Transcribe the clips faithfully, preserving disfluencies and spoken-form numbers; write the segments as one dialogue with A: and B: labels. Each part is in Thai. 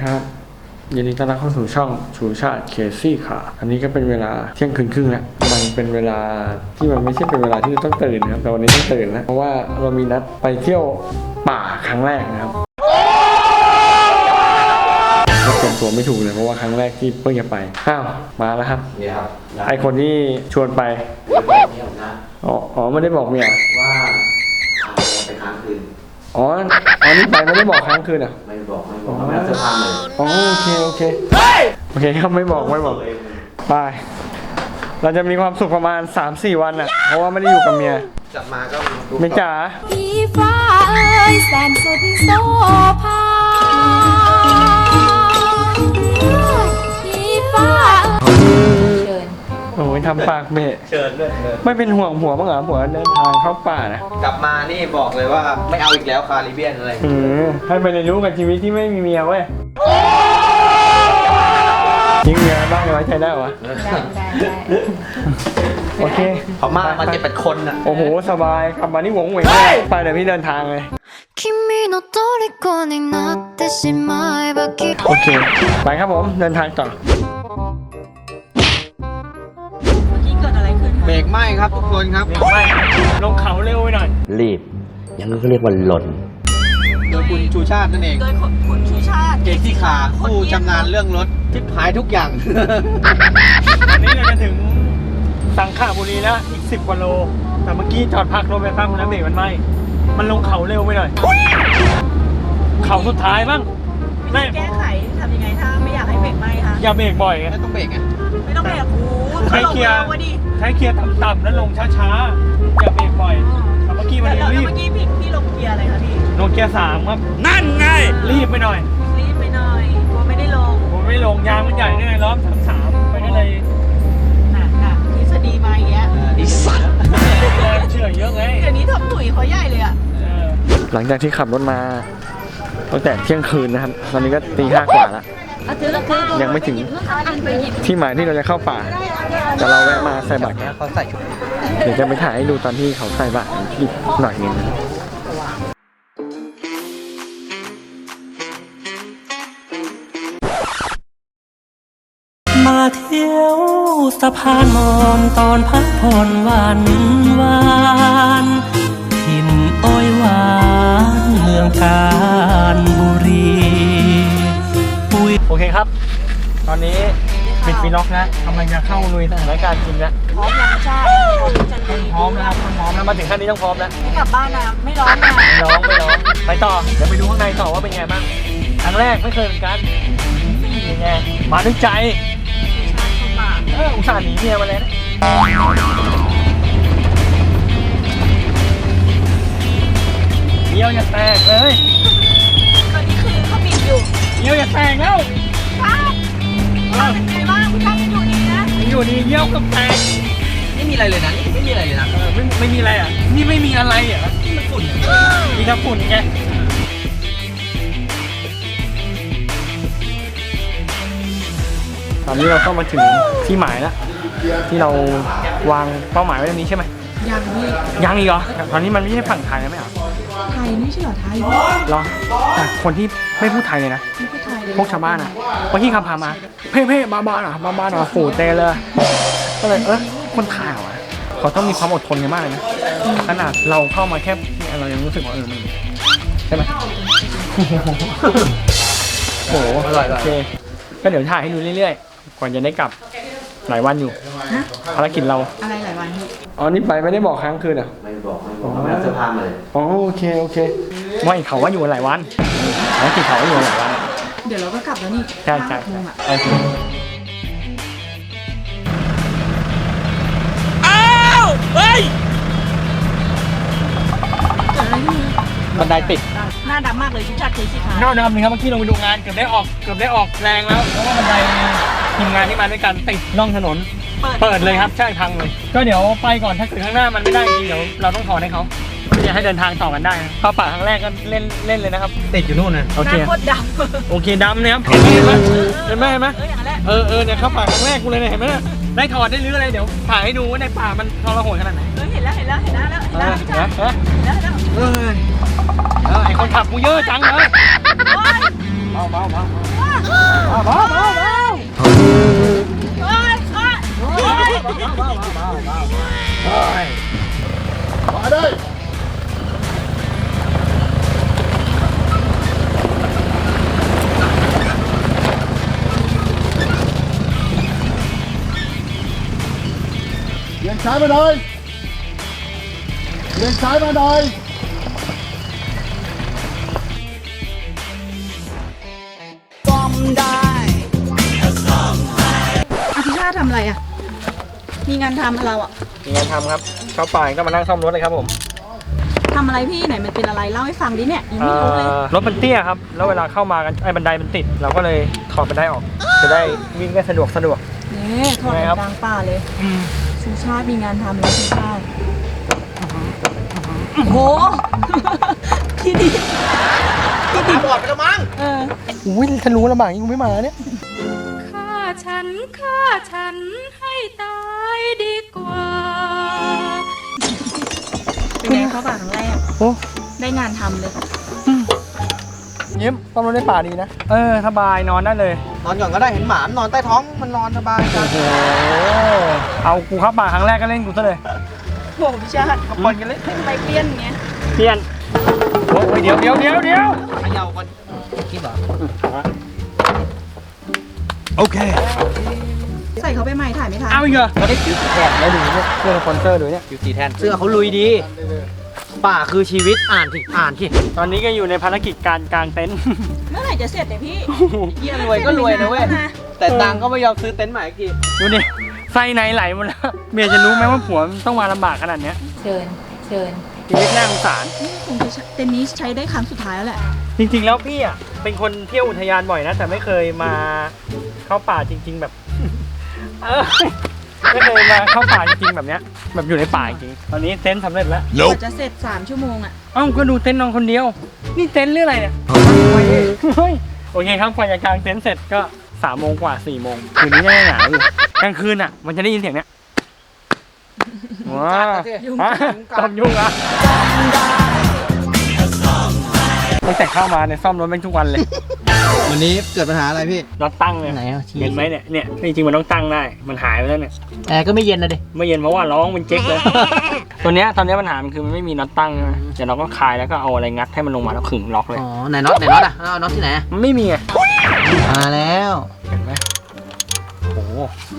A: ครับยินดีต้อนรับเข้าสู่ช่องชูชาติเคซี่ค่ะอันนี้ก็เป็นเวลาเที่ยงคืนครึ่งแล้วมันเป็นเวลาที่มันไม่ใช่เป็นเวลาที่เราต้องตื่นนะครับแต่วันนี้ต้องตื่นนะเพราะว่าเรามีนัดไปเที่ยวป่าครั้งแรกนะครับเราเตรียมตัวไม่ถูกเลยเพราะว่าครั้งแรกที่เพิ่งจะไปอ้าวมาแล้วครับ
B: นี่ครับ
A: ไอคนที่ชวนไปอ๋ออ๋อไม่ได้บอกเมีย
B: ว่าไปค้างคืน
A: อ๋ออ๋อนี่ไปไม่ได้บอกค้างคืนอ่ะ
B: ไม่บอกไม่บอกไม่รับเสื้อผ้าเลย
A: อ๋อโอเคโอเคโอเคครับไม่บอกไม่บอกไปเราจะมีความสุขประมาณ สามสี่ วันอ่ะเพราะว่าไม่ได้อยู่กับเมีย
B: กลับมาก็
A: เมียจ๋า
C: พี่ฟ้าเอ้ยแสนสุดโซภาพี่ฟ้าเชิญ
A: โอ้ยทำปากเบะ
B: เชิญด้วย
A: ไม่เป็นห่วงผัวบ้างเหรอผัวเดินทางเข้าป่านะ
B: กลับมานี่บอกเลยว่าไม่เอาอีกแล้วคาริเบียนอะไร
A: อืมให้ไปเรียนรู้กับชีวิตที่ไม่มีเมียเว้ยยิงเมียบ้างไว้ใจได้วะ
C: ได้ได้
A: โอเค
B: เขามามาเจ็ดแปดคนอ่ะ
A: โอ้โหสบายกลับมานี่หวงเหวงไปเดี๋ยวพี่เดินทางเลยโอเคไปครับผมเดินทางต่อ
B: เบรกไหมครับทุกคนครับ
A: เบรกไหมลงเขาเร็วไปหน่อย
B: รีบยังก็เรียกว่าหล่นโดยคุณชูชาตินั่นเอง
C: โดยคุณชูชาติ
B: เกซี่ขาผู้ชำนาญเรื่องรถทิพายทุกอย่าง
A: วันนี้เราจะถึงสังขบุรีแล้วอีกสิบกว่าโลแต่เมื่อกี้จอดพักรถไปแป๊บนึงแล้วเบรกมันไหมมันลงเขาเร็วไปหน่อยเขาสุดท้ายบ้าง
C: ไม่แก้ไขทำยังไงถ้าไม่อยากให้เบรกไหมคะ
A: อย่าเบรกบ่อยไง
B: ไม่ต้องเบรกไง
C: ไม่ต้องเบรกโอ้
A: ใช้เกียร์ใช้เกียร์ต่ำๆแล้วลงช้าๆอย่าเบรกบ่อยแต่เมื่อกี้มันรีบ
C: เมื่อกี้พี่พี่ลงเกียร์อะไรคะพี่
A: ลงเกียร์สามครับนั่นไงรีบไปหน่อย
C: รีบไปหน่อยกลัวไม่ได้ลง
A: ผมไม่ลงยางมันใหญ่เนี่ยล้อมสามสามไปก็เลย
C: หนักหนักทฤษฎีมาอย่างเงี้ย
B: ดิสัน
A: เชื่อเยอะไง
C: เดี๋ยวนี้ทำตุ๋ยเขาใหญ่เลยอ่ะ
A: หลังจากที่ขับรถมาตั้งแต่เที่ยงคืนนะครับตอนนี้ก็ตีห้ากว่าแล้วยังไม่ถึงที่หมายที่เราจะเข้าป่าแต่เราแวะมาใส่บาตร
B: เขาใส่ชุด
A: เดี๋ยวจะไปถ่ายให้ดูตอนที่เขาใส่บาตรอีกหน่อยนึง
D: มาเที่ยวสะพานมอนตอนพักผ่อนวันวานถิ่นอ้อยหวานเมืองกาญบุรี
A: โอเคครับตอนนี้ปิดฟีล็อกนะกำลังจะเข้าลุยสถานการณ์จริงแล้ว
C: พร้อมยังใช่พร้อมจันที
A: พร้อมนะครับพร้อมแล้วมาถึงขั้นนี้ต้องพร้อมแล้ว
C: ไม่กลับบ้านนะไม่ร้อนนะ
A: ไม่ร้องไม่ร้องไปต่อเดี๋ยวไปดูข้างในต่อว่าเป็นไงบ้างครั้งแรกไม่เคยเหมือนกันยังไงมาด้วยใจเอออุตส่าห์หนีเมียมาเลยนะเยี่ยวอย่าแตกเลย
C: ตอนนี้คือเขาปิดอยู่
A: เยี่ยวอย่าแตกแล้ว
C: ครับเป็นไงบ้างคุณช่างอยู่ดีนะ
A: อยู่ดีเยี่ยวกับแตก
B: ไม่มีอะไรเลยนะนี่ไม่มีอะไรเลยนะ
A: เออไม่ไม่มีอะไรอ่ะนี่ไม่มีอะไรอ่ะ
B: นี่มันฝุ่น
A: มีแต่ฝุ่นไงตอนนี้เราเข้ามาถึงที่หมายแล้วที่เราวางเป้าหมายไว้ตรงนี้ใช่ไหม
C: ยังนี่
A: ยังอีกเหรอตอนนี้มันไม่ใช่ฝั่งไทยแล้วไหมอ่ะ
C: ไทยไม่ใช่เหรอไทย
A: เหรอแต่คนที่ไม่พูดไทยเลยนะ
C: ไม่พูดไทยเลย
A: พวกชาวบ้านอ่ะพวกที่ขับผ่านมาเพ่เพ่บ้าบ้าอ่ะบ้าบ้าอ่ะฝูเตเลยก็เลยเออคนไทยอ่ะเขาต้องมีความอดทนกันมากเลยนะขนาดเราเข้ามาแค่เรายังรู้สึกว่าเออมันใช่ไหมโอ้โหโอเคก็เดี๋ยวถ่ายให้ดูเรื่อยๆก่อนจะได้กลับหลายวันอยู่ภารกิจเรา
C: อะไรหลายวัน
A: อ๋อนี่ไปไม่ได้บอกค้างคืนอ่ะ
B: ไม่บอกไม่บอกไม่รับเสื้อผ้าเลย
A: อ๋อโอเคโอเคไม่เขาว่าอยู่หลายวันภารกิจเขาว่าอยู่หลายวัน
C: เดี๋ยวเราก็กลับแล้วนี่
A: ใช่ใช่โอเคอ้าวเฮ้ยบันไดติด
C: หน้าดำมากเลยชุดจัดเคซี่ค่ะ
A: หน้าดำเลยครับเมื่อกี้ลงไปดูงานเกือบได้ออกเกือบได้ออกแรงแล้วเพราะว่าบันไดทีมงานที่มาด้วยกันติดร่องถนนเปิดเลยครับใช่พังเลยก็เดี๋ยวไปก่อนถ้าเกิดข้างหน้ามันไม่ได้จริงเดี๋ยวเราต้องถอนให้เขาจะให้เดินทางต่อกันได้เข้าป่าครั้งแรกก็เล่นเล่นเลยนะครับ
B: ติดอยู่นู่นนะ
A: โอเค
C: โคตรดำ
A: โอเคดำนะครับเห็นไหมเห็นไหมเห็นไหมเออเออเนี่ยเข้าป่าครั้งแรกกูเลยเนี่ยเห็นไหมได้ถอดได้รื้ออะไรเดี๋ยวถ่ายให้ดูว่าในป่ามันทรหดขนาดไหน
C: เห็นแล้วเห็นแล้วเห็นแล้วเห็นแล้วเห็นแล้วเห็นแล้ว
A: เออไอคนขับกูเยอะจังเลยเบาเบาเบาบ้าบ้าบ้าบ้า
B: มาได้เลี้ยงซ้ายมาหน่อยเลี้ยงซ้ายมาหน่อย
E: อภิชาติทำอะไรอ่ะ มีงานทำอะไรเราอ่ะ
A: มีงานทำครับเข้าป่าก็มานั่งซ่อมรถเลยครับผม
E: ทำอะไรพี่ไหนมันเป็นอะไรเล่าให้ฟังดิเนี่ยยังไม่รู้เลย
A: รถมันเตี้ยครับแล้วเวลาเข้ามากันไอ้บันไดมันติดเราก็เลยถอดบันไดออก จะได้วิ่งได้สะดวกสะดวก
E: เนี่ยทอด
A: ไงครับ
E: กลางป่าเลยชูชาติมีงานทำแล้วชูชาติโอ้โหพี่ดิพี่ดิบอดไปแล้วมั้งเออ
A: อุ้ยฉันรู้ลำบากยิ่งกูไม่มาเนี่ย
C: ฆ่าฉันฆ่าฉันให้ตายดีกว่า
E: เป็นไงเข้าป่าครั้งแรก
A: โอ้
E: ได้งานทำเลย
A: ยิ้มซ่อมรถในป่าดีนะเออสบายนอนได้เลย
B: นอนก่อนก็ได้เห็นหมานอนใต้ท้องมันนอนสบายจัง
A: โอ้โหเอากูเข้าป่าครั้งแรกก็เล่นกูซะเลย
E: โอ้พี่ชาติเขาปนกันเลยทำไมเปลี่ยนอย่างเงี้ย
A: เปลี่ยนโอ้ยเดี๋ยวเดี๋ยวเดี๋ยวเดี๋ยว
B: เขย่าก่อนคิดเหรอ
A: โอเค
E: ใส่เขาไปใหม่ถ่ายไม่ทัน
A: เอาอีกเหรอเราได้คิวสีแทนแล้วดูเนี่ยเสื้อสปอนเซอร์ดูเนี่ย
B: คิวสีแทนเสื้อเขาลุยดี ป่าคือชีวิตอ่านสิอ่านสิ
A: ตอนนี้ก็อยู่ในภารกิจการกางเต็นท์
E: เมื่อไหร่จะเสร็จเนี่ยพี่เยี่ยม
B: รวยก็รวยนะเว้ย แต่ตังค์ก็ไม่ยอมซื้อเต็นท์ใหม่อีกที
A: ดูดิไส้ในไหลหมดแล้วเมียจะรู้ไหมว่าผัวมันต้องมาลำบากขนาดเนี้ย
C: เชิญเชิญ
A: ชีวิตน่าสงสาร
E: คงจะเต็นท์นี้ใช้ได้ครั้งสุดท้ายแล้วแหละ
A: จริงๆแล้วพี่อ่ะเป็นคนเที่ยวอุทยานบ่อยนะ แต่ไม่เคยมาเข้าป่าจริง ๆ แบบ เออไม่เคยมาเข้าป่าจริงๆแบบเนี้ยแบบอยู่ในป่าจริงๆตอนนี้เต็นท์สำเร็จแล้ว
E: กว่าจะเสร็จสามชั่วโมงอ่ะ
A: เอ้าก็ดูเต็นท์นอนคนเดียว นี่เต็นท์เรื่องอะไรเนี่ยเฮ้ยโอเคครับกว่าจะกางเต็นท์เสร็จก็สามโมงกว่าสี่โมงคืนนี้ยังหนาวอยู่กลางคืนอ่ะ มันจะได้ยินเสียงเนี้ยว้า
E: ยุง
A: ฮะ
E: กัด
A: ต้องยุ่งอ่ะตั้งแต่เข้ามาเนี่ยซ่อมรถแม่งทุกวันเลย
B: วันนี้เกิดปัญหาอะไรพี่
A: น็อตตั้งเลย
B: ไหนอ่ะชี้
A: เห็นไหมเนี่ยเนี่ยจริงๆมันต้องตั้งได้มันหายไปแล้วเนี่ย
B: แอร์ก็ไม่เย็นนะดิ
A: ไม่เย็นเพราะว่าร้องมันเจ๊กเลย ตัวเนี้ยตอนเนี้ยปัญหามันคือมันไม่มีน็อตตั้งใช่ไหมเดี๋ยวเราก็คลายแล้วก็เอาอะไรงัดให้มันลงมาแล้วขึงล็อกเลย
B: อ๋อไหนน็อตไหนน็อตอ่ะเอาน็อตที่ไหน
A: มันไม่มีไง
B: มาแล้ว
A: เห็นไหมโอ้โห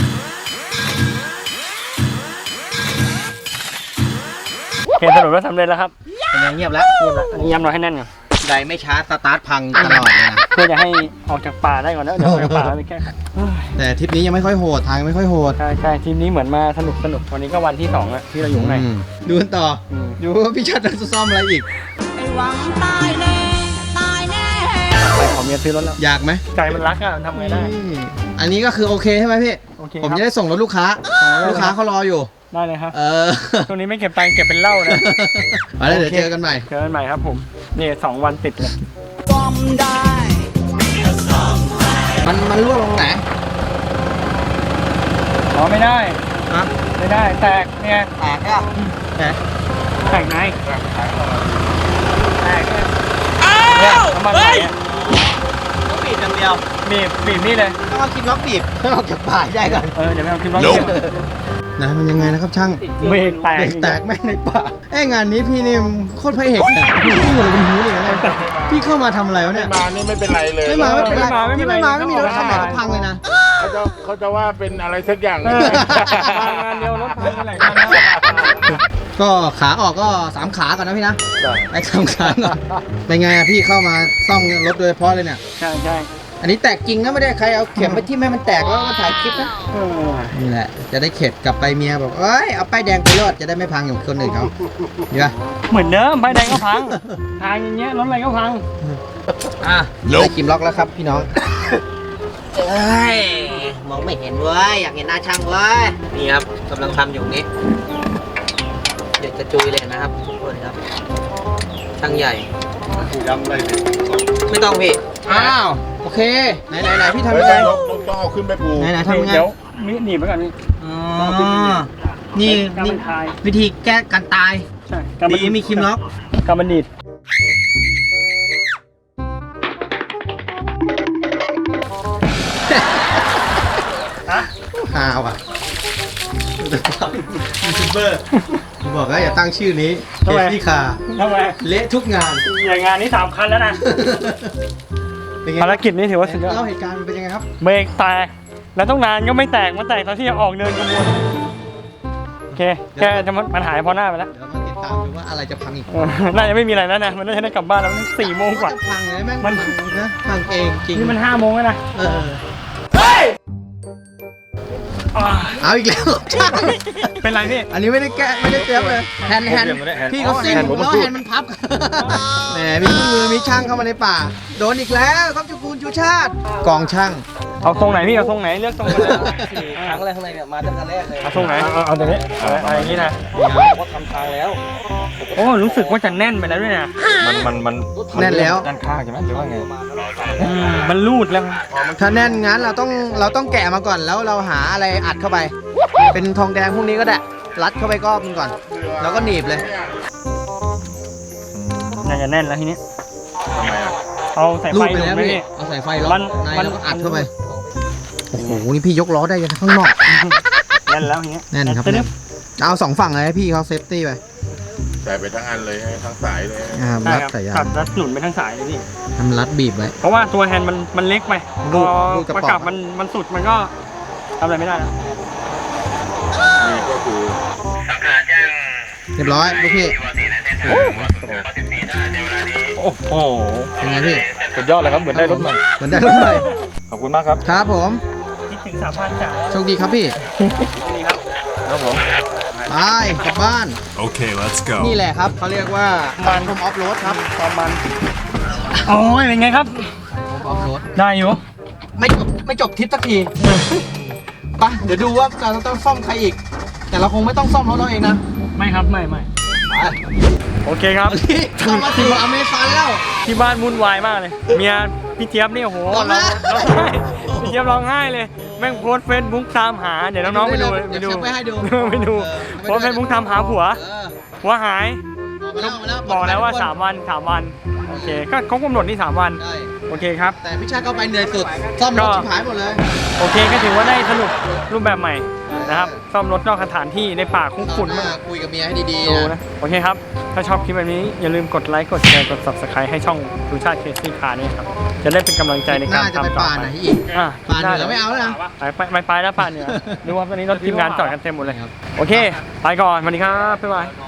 A: เห็นสรุปว่าสำเร็จแล้วครับ
B: เป็นไงเงียบแล้ว
A: เรียบร้อยอันนี้ย้ำเราให้แน่นก่อน
B: ใดไม่ช้าสตาร์ทพังตลอดเลยนะ
A: เพื่อจะให้ออกจากป่าได้ก่อนนะเดี๋ยวออกจากป่าแล้วไปแก้ไข
B: แต่ทริปนี้ยังไม่ค่อยโหดทางไม่ค่อยโหด
A: ใช่ใช่ทีมนี้เหมือนมาสนุกสนุกวันนี้ก็วันที่สองอะที่เราอยู่ข้างใน
B: อืมดูกันต่ออ
A: ม
B: ดูว่าพี่ชัดจะซ่อมอะไรอีก
E: ไอ้หวังตายแน่ตายแน่
A: ไปขอเมียซื้อรถแล้ว
B: อยากไหม
A: ใจมันรักอะมันทำไงได้
B: นี่อันนี้ก็คือโอเคใช่ไหมพี่
A: โอเค
B: ผม
A: ครับ
B: จะได้ส่งรถลูกค้า ลูกค้าเขารออยู่
A: ได้เลยครับ
B: เออ
A: ช่วงนี้ไม่เก็บตังค์เก็บเป็นเหล้านะ
B: มาแล้วเดี๋ยวเจอกันใหม่
A: เจอกันใหม่ครับผมนี่สองวันติดเลย
B: มันมันรั่วลงไหน
A: อ๋อไม่ได้
B: ฮะ
A: ไม่ได้แตกเนี่ย
B: แตกอ่ะแตก
A: แตกไหนแตกเนี่ยเนี่ยน้ำมันไหลอะ
B: ต้องบีบอย่างเดียว
A: บีบบีบนี่เลย
B: ต้องเอาคลิปล็อกบีบต้องออกจากป่าให้ได้ก่อน
A: เออเดี๋ยวไปเอาคลิปร้อง
B: นะมันยังไงนะครับช่าง
A: เบรกแตก
B: เบรกแตกแม่งในป่าไอ้งานนี้พี่นี่โคตรพระเอกเนี่ยพี่อยู่อะไรบนหูเนี่ยอะไรพี่เข้ามาทำอะไรวะเนี่ย
F: มานี่ไม่เป็นไรเลย
B: ไม่มาไม่เป็นไร
A: ไม่
B: พี่
A: เป็นไร
B: ไม่มาไม่มีรถคันไหนก็พังเลยนะ
F: เขาจะเขาจะว่าเป็นอะไรสักอย่าง
A: เออมางานเดียวรถพังกันหลายคันแล้ว
B: ก็ขาออกก็สามขาก่อนนะพี่นะไอ้สามขาก่อนเป็นไงอะพี่เข้ามาซ่อมรถโดยเฉพาะเลยเนี่ย
A: ใช่ใช่
B: อันนี้แตกจริงนะไม่ได้ใครเอาเข็มไปที่แม่มันแตกแล้วก็ถ่ายคลิปนะ
A: เออ
B: นี่แหละจะได้เข็ดกลับไปเมียบอกเอ้ยเอาป้ายแดงไปรอดจะได้ไม่พังอย่างคนอื่นเขาดีป่ะ
A: เหมือนเดิมใบแดงก็พังทางอย่างเงี้ยรถอะไรก็พัง
B: อ่ะได้คิมล็อกแล้วครับพี่น้องเอ้ยมองไม่เห็นเว้ยอยากเห็นหน้าช่างเว้ยนี่ครับกำลังทำอยู่นี้เด็กกระจุยเลยนะครับทุกคนครับช่างใหญ่ไม่ต้องพี่อ้าวโอเคไหนไหนไหนพี่ทำยังไง
F: นกนกต้องเอาขึ้นไปปู
B: ไหนไหนทำยังไง
A: เดี๋ยวมีหนีบไว้ก่อนนี่
B: อ๋อนี่
A: การ
B: นี่
A: มันคลาย วิ
B: วิธีแก้การตาย
A: ใช่การ
B: ดีมีคิมล็อก
A: การมันดีด
B: ฮาวอ่ะยูทูบเบอร์บอกว่าอย่าตั้งชื่อนี้เค
A: ทำไม
B: ซี่คาร์
A: ทำไม
B: เละทุกงาน
A: อย่างงานนี้สามคันแล้วนะ
B: เป็นไง
A: ภารกิจนี้ถือว่าสุดยอด
B: เล่าเหตุการณ์มันเป็นยังไงครับ
A: เบรกแตกแล้วต้องนานก็ไม่แตกมันแตกตอนที่จะออกเดินขบวนโอเคแค่จะมันหายพอหน้าไปแล้ว
B: เดี๋ยวมาติดตามดูว่าอะไรจะพังอีก
A: เออน่าจะไม่มีอะไรแล้วนะมันน่าจะได้กลับบ้านแล้วมันสี่โมงกว่า
B: จะพังเลยแม่ง
A: มัน
B: พังนะพังเองจริง
A: นี่มันห้าโมงแล้วนะ
B: เออ
A: อ่า
B: เอาอีกแล้วใช่
A: เป็นไรพี่
B: อันนี้ไม่ได้แกะไม่ได้เตรียมเลยแฮนด์แฮนด์พี่เขาซิ่งแล้วแฮนด์มันพับแหมมีเครื่องมือมีช่างเข้ามาในป่า โดนอีกแล้วครับจุกูลชูชาติกองช่าง
A: เอาทรงไหนพี่เอาทรงไหนเลือกทรงกันเลย
B: ครั้งแรกข้างในเนี่ยมาตั้งแต่แรกเลย
A: เอาทรงไหนเอาเอาตรงนี้เอาเอาอย่างนี้นะ
B: เขาทำทางแล้ว
A: โอ้รู้สึกว่าจะแน่นไปแล้วด้วยนะ
E: มันมันมัน
B: แน่นแล้ว
E: ด้านข้างใช่ไหมหรือว่าไง
A: อืมมันรูดแล้ว
B: ถ้าแน่นงั้นเราต้องเราต้องแกะมาก่อนแล้วเราหาอะไรอัดเข้าไป เป็นทองแดงพวกนี้ก็ได้รัดเข้าไปก้อนก่อน แล้วก็หนีบเลย
A: น่าจะแน่นแล้วทีนี้
E: ทำไมอ่ะ
A: เอาสาย
B: รู
A: ไฟ
B: ดไป
A: ลง
B: แล้ว
A: ไหม
B: พี่
A: พี่
B: เอาสายไฟล็อก
A: มัน
B: ใน
A: มัน
B: แล้วก็อัดเข้าไปโอ้โหนี่พี่ยกล้อได้ยังข้างนอก
A: แน่นแล้วทีนี้
B: แน่นครับ
A: จะได้
B: เอาสองฝั่งเลยให้พี่เขาเซฟตี้ไป
F: ใส่ไปทั้งอันเลยทั้งสายเลย
B: อ่า
A: ได้
B: รัด
A: ครับ
B: สายยา
A: ตั
B: ง
A: ดรัดหนุนไปทั้งสายเลยพี่
B: ทำรัดบีบไว้
A: เพราะว่าตัวแฮนด์มันมันเล็กไป
B: รู
A: พ
B: ด
A: อ
B: รูดกระ
A: ประ
B: ป๋อง
A: กับมันมันสุดมันก็ทำอะไรไม่ได้แล้ว
F: นี่ก็คือ
B: เรียบร้อยลูกพี่
E: โอ้โห
B: เป็นไงพี่
E: สุดยอดเลยครับเหมือนได้รถใหม่
B: เหมือนได้รถใหม่
E: ขอบคุณมากครับ
B: ครับผม
A: คิดถึงสามพันจ่าย
B: โชคดีครับพี่
A: นี่ครับ
E: ครับผม
B: ไปกลับบ้าน
G: Okay, let's go.
B: นี่แหละครับเขาเรียกว่าการทมออฟโรดครับ
A: ประมาณโอ้ยเป็นไงครับ
B: ทมออฟโรด
A: ได้อยู่
B: ไม่จบไม่จบทริปสักทีไปเดี๋ยวดูว่าเราต้องซ่อมใครอีก แต่เราคงไม่ต้องซ่อมรถเราเองนะ
A: ไม่ครับไม่ไม่
B: ไป
A: โอเคครับ
B: นี่เข้ามาสู่อเมซอนแล้ว
A: ที่บ้านวุ่นวายมากเลย เมียพี่เจี๊ยบนี่โอ้โห
B: ร้องไห้
A: ร้องไห้พี่เจี๊ยบร้องไห้เลย แม่งโพสเฟซบุ๊กตามหา เดี๋ยวน้องๆไปดู
B: เดี๋
A: ไป
B: ยว
A: ดู
B: เดี๋ยวแคปไว้ให้ดู
A: ไปดู
B: เออ
A: โพสเฟซบุ๊กตามหาผัว
B: เออ
A: ผัวหาย
B: บอกมาแล้ว
A: บอกแล้วว่าสามวันสามวัน โอเค ก็เขากำหนดนี่สามวัน
B: ใช่
A: โอเคครับ
B: แต่พี่ชาติเข้าไปเหนื่อยสุด ซ่อมรถ
A: ก็
B: ชิบหายหมดเลย
A: โอเคก็ถือว่าได้สรุปรูปแบบใหม่นะครับ ซ่อมรถนอกสถานที่ในป่าคุกฝุ่น
B: มา
A: มาก
B: คุยกับเมียให้ดี
A: ดู
B: ๆนะ
A: นะ โอเคครับ ถ้าชอบคลิปแบบนี้อย่าลืมกดไลค์ กดแชร์ กด subscribe ให้ช่องดูชาติเคสซี่คาร์นี่ครับ จะได้เป็นกำลังใจใน
B: ห
A: การ
B: น้าจะไป
A: ทำต่อ
B: ป่า
A: ไป
B: ไหนอีก
A: อ่ะ
B: ป่าเหนือไม่เอาแล้วนะ
A: ไปไปไปไปแล้วป่าเหนือดูว่าตอนนี้รถทีมงานจอดกันเต็มหมดเลย ดูครับตอนนี้รถทีมงานจอดกันเต็มหมดเลย โอเค ไปก่อนสวัสดีครับ บ๊ายบาย